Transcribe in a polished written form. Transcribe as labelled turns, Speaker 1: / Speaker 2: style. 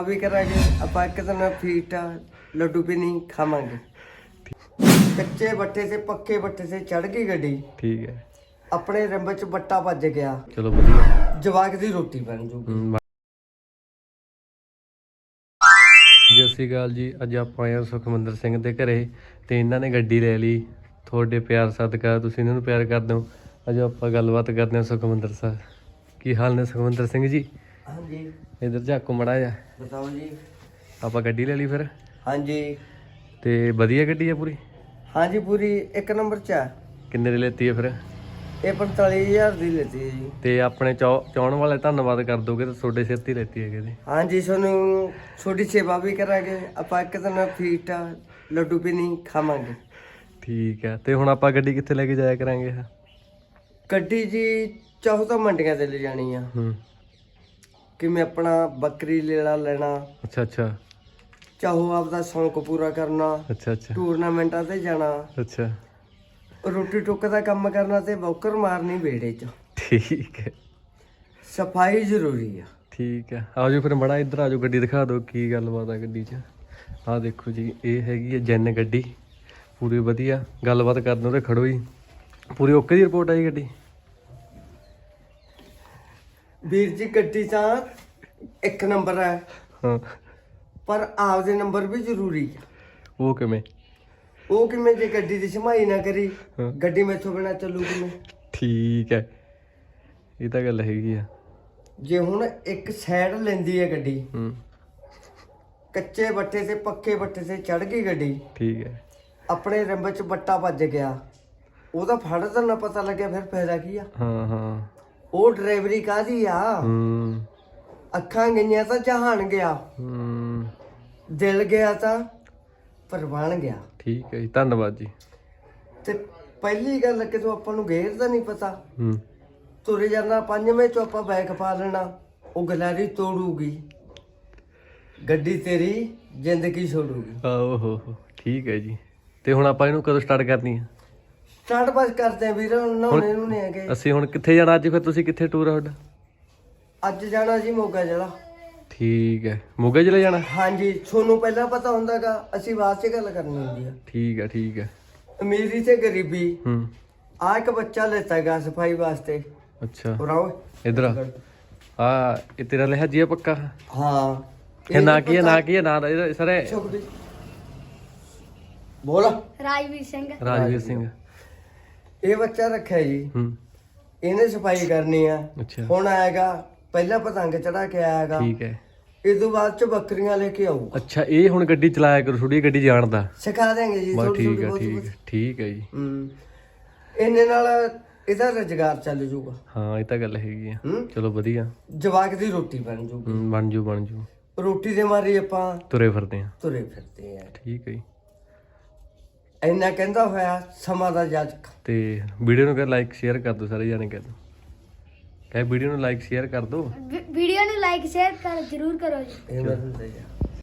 Speaker 1: भी करांगे ਆਪਾਂ ਇੱਕ ਦਿਨ ਫੀਟਾ ਲੱਡੂ ਵੀ ਨਹੀਂ ਖਾਵਾਂਗੇ। ਕੱਚੇ ਬੱਟੇ ਤੇ ਪੱਕੇ ਬੱਟੇ ਤੇ ਚੜ ਗਈ ਗੱਡੀ।
Speaker 2: ਠੀਕ ਹੈ।
Speaker 1: ਆਪਣੇ ਰੰਬ ਚ ਬੱਟਾ ਵੱਜ ਗਿਆ।
Speaker 2: ਚਲੋ ਵਧੀਆ।
Speaker 1: ਜਵਾਕ ਦੀ ਰੋਟੀ ਬਣ ਜੂਗੀ।
Speaker 2: ਸਤਿ ਸ਼੍ਰੀ ਅਕਾਲ ਜੀ। ਅੱਜ ਆਪਾਂ ਆਏ ਹਾਂ ਸੁਖਮੰਦਰ ਸਿੰਘ ਦੇ ਘਰੇ ਤੇ ਇਹਨਾਂ ਨੇ ਗੱਡੀ ਲੈ ਲਈ। ਤੁਹਾਡੇ ਪਿਆਰ ਸਦਕਾ ਤੁਸੀਂ ਇਹਨਾਂ ਨੂੰ ਪਿਆਰ ਕਰਦੇ ਹੋ। ਅੱਜ ਆਪਾਂ ਗੱਲਬਾਤ ਕਰਦੇ ਹਾਂ ਸੁਖਮੰਦਰ ਸਾਹਿਬ। ਕੀ ਹਾਲ ਨੇ ਸੁਖਮੰਦਰ ਸਿੰਘ ਜੀ?
Speaker 1: हाँ जी
Speaker 2: इधर झाको मड़ा जा।
Speaker 1: बताओ जी।
Speaker 2: आप गड्डी ले ली फिर?
Speaker 1: हाँ जी
Speaker 2: ते वधिया गड्डी है पूरी?
Speaker 1: हाँ जी पूरी एक नंबर चा।
Speaker 2: किन्ने दी लेती है फिर?
Speaker 1: ये 45,000 दी लेती है जी।
Speaker 2: ते अपने चाहण वाले धन्नवाद कर दोगे तो छोटे सिर ती लेती है कि?
Speaker 1: हाँ जी सोनू छोटी सेवा भी करांगे। आप एक दिन फीटा लड्डू भी नहीं खावांगे।
Speaker 2: ठीक है। ते हुण आपां गड्डी कित्थे लेके जाया करांगे?
Speaker 1: गड्डी जी चाहो तो मंडियां ते ले जानी है कि मैं अपना बकरी लेला लेना।
Speaker 2: अच्छा अच्छा।
Speaker 1: चाहो आपदा शौक पूरा करना।
Speaker 2: अच्छा अच्छा।
Speaker 1: टूरनामेंटा ते जाना।
Speaker 2: अच्छा।
Speaker 1: रोटी टुक दा काम करना ते बौकर मारनी बेड़े च।
Speaker 2: ठीक है।
Speaker 1: सफाई जरूरी है।
Speaker 2: ठीक है। आ जाओ फिर बड़ा इधर आ जाओ, गड्डी दिखा दो की गलबात है गड्डी च। आ देखो जी ये हैगी है जैन गड्डी पूरी वधिया। गलबात कर दो ते खड़ो ही। पूरी ओके दी रिपोर्ट आई गड्डी?
Speaker 1: ਵੀਰ ਜੀ ਗੱਡੀ ਤਾਂ ਇੱਕ ਨੰਬਰ ਹੈ।
Speaker 2: ਹਾਂ
Speaker 1: ਪਰ ਆਪਦੇ ਨੰਬਰ ਵੀ ਜ਼ਰੂਰੀ ਹੈ।
Speaker 2: ਉਹ ਕਿਵੇਂ?
Speaker 1: ਉਹ ਕਿਵੇਂ ਜੇ ਗੱਡੀ ਦੀ ਸਮਾਈ ਨਾ ਕਰੀ ਗੱਡੀ ਮੈਥੋਂ ਬਿਨਾ ਚੱਲੂ ਕਿਵੇਂ?
Speaker 2: ਠੀਕ ਹੈ। ਇਹ ਤਾਂ ਗੱਲ ਹੈਗੀ ਆ।
Speaker 1: ਜੇ ਹੁਣ ਇੱਕ ਸਾਈਡ ਲੈਂਦੀ ਹੈ ਗੱਡੀ ਕੱਚੇ ਬੱਟੇ ਤੇ ਪੱਕੇ ਬੱਟੇ ਤੇ ਚੜ ਗਈ ਗੱਡੀ। ਠੀਕ ਹੈ। ਆਪਣੇ ਰੰਬ ਚ ਬੱਟਾ ਵੱਜ ਗਿਆ ਉਹਦਾ ਫੜ ਤਾਂ ਨਾ ਪਤਾ ਲੱਗਿਆ ਫਿਰ ਫਾਇਦਾ ਕੀ ਆ? ਹਾਂ ਹਾਂ। ਉਹ ਡਰਾਈਵਰੀ ਕਾਹਦੀ ਆ? ਅੱਖਾਂ ਗਈਆਂ ਤਾਂ ਜਹਾਨ ਗਿਆ। ਦਿਲ ਗਿਆ ਤਾਂ ਪਰਵਾਨ ਗਿਆ।
Speaker 2: ਠੀਕ ਹੈ ਜੀ ਧੰਨਵਾਦ ਜੀ।
Speaker 1: ਤੇ ਪਹਿਲੀ ਗੱਲ ਕਿ ਤੂੰ ਆਪਾਂ ਨੂੰ ਗੇਰ ਦਾ ਨਹੀਂ ਪਤਾ। ਤੁਰੇ ਜਾਣਾ ਪੰਜਵੇਂ ਚੋਂ ਆਪਾਂ ਬੈਗ ਪਾ ਲੈਣਾ ਉਹ ਗਲਾਰੀ ਤੋੜੂਗੀ ਗੱਡੀ ਤੇਰੀ ਜ਼ਿੰਦਗੀ ਛੋੜੂਗੀ।
Speaker 2: ਆਹੋ ਹੋ ਠੀਕ ਹੈ ਜੀ। ਤੇ ਹੁਣ ਆਪਾਂ ਇਹਨੂੰ ਕਦੋਂ ਸਟਾਰਟ ਕਰਨੀ ਹੈ?
Speaker 1: ਸਟਾਰਟ ਬਸ ਕਰਦੇ ਆ ਵੀਰ। ਨਹਾਉਣੇ ਨੂੰ ਨਹੀਂ ਹੈਗੇ।
Speaker 2: ਅਸੀਂ ਹੁਣ ਕਿੱਥੇ ਜਾਣਾ ਅੱਜ? ਫਿਰ ਤੁਸੀਂ ਕਿੱਥੇ ਟੂਰ ਆ ਤੁਹਾਡਾ?
Speaker 1: ਅੱਜ ਜਾਣਾ ਜੀ ਮੋਗਾ ਜ਼ਿਲ੍ਹਾ।
Speaker 2: ਠੀਕ ਹੈ। ਮੋਗਾ ਜ਼ਿਲ੍ਹਾ ਜਾਣਾ?
Speaker 1: ਹਾਂਜੀ ਤੁਹਾਨੂੰ ਪਹਿਲਾਂ ਪਤਾ ਹੁੰਦਾਗਾ ਅਸੀਂ ਬਾਅਦ ਚ ਗੱਲ ਕਰਨੀ ਹੁੰਦੀ ਆ।
Speaker 2: ਠੀਕ ਹੈ ਠੀਕ ਹੈ।
Speaker 1: ਅਮੀਰੀ ਤੇ ਗਰੀਬੀ ਆ ਇੱਕ ਬੱਚਾ ਲੈਤਾ ਗਾ ਸਫਾਈ ਵਾਸਤੇ।
Speaker 2: ਅੱਛਾ
Speaker 1: ਉਰਾਓ
Speaker 2: ਇਧਰ ਆ। ਇਹ ਤੇਰਾ ਲਿਹਾਜੀ ਆ ਪੱਕਾ?
Speaker 1: ਹਾਂ।
Speaker 2: ਇਹ ਨਾ ਕੀ ਹੈ ਨਾ ਕੀ ਹੈ ਨਾ ਸਰ?
Speaker 1: ਬੋਲ।
Speaker 3: ਰਾਜਵੀਰ ਸਿੰਘ।
Speaker 2: ਰਾਜਵੀਰ ਸਿੰਘ।
Speaker 1: ਇਹ ਬੱਚਾ ਰੱਖਿਆ ਜੀ। ਇਹਨੇ ਸਫਾਈ ਕਰਨੀ ਆ। ਹੁਣ ਆਏਗਾ ਪਹਿਲਾਂ ਪਤੰਗ ਚੜਾ ਕੇ ਆਏਗਾ। ਠੀਕ ਹੈ। ਇਸ ਤੋਂ ਬਾਅਦ ਚ ਬੱਕਰੀਆਂ ਲੈ ਕੇ ਆਊ। ਅੱਛਾ ਇਹ ਹੁਣ ਗੱਡੀ ਚਲਾਇਆ ਕਰੂ ਥੋੜੀ ਗੱਡੀ ਜਾਣਦਾ? ਸਿਖਾ ਦੇਂਗੇ ਜੀ।
Speaker 2: ਠੀਕ ਹੈ ਠੀਕ ਹੈ ਠੀਕ ਹੈ ਜੀ।
Speaker 1: ਇਹਨੇ ਨਾਲ ਇਹਦਾ ਰੁਜ਼ਗਾਰ ਚੱਲ ਜੂਗਾ।
Speaker 2: ਹਾਂ ਇਹ ਤਾਂ ਗੱਲ ਹੈਗੀ ਆ। ਚਲੋ ਵਧੀਆ।
Speaker 1: ਜਵਾਕ ਦੀ ਰੋਟੀ ਬਣ ਜੂਗੀ।
Speaker 2: ਬਣ ਜੂ।
Speaker 1: ਰੋਟੀ ਦੇ ਮਾਰੀ ਆਪਾਂ ਤੁਰੇ ਫਿਰਦੇ ਆ।
Speaker 2: ਠੀਕ ਹੈ ਜੀ।
Speaker 1: ਇੰਨਾ ਕਹਿੰਦਾ ਹੋਇਆ ਸਮਾਂ ਦਾ ਜਾਜਕ। ਤੇ
Speaker 2: ਵੀਡੀਓ ਨੂੰ ਕਰ ਲਾਈਕ ਸ਼ੇਅਰ ਕਰ ਦੋ ਸਾਰੇ ਜਾਣੇ। ਕਹਿ ਵੀਡੀਓ ਨੂੰ ਲਾਈਕ ਸ਼ੇਅਰ ਕਰ ਦੋ।
Speaker 3: ਵੀਡੀਓ ਨੂੰ ਲਾਈਕ ਸ਼ੇਅਰ ਕਰ ਜਰੂਰ ਕਰੋ ਜੀ।
Speaker 1: ਇਹ ਮੈਂ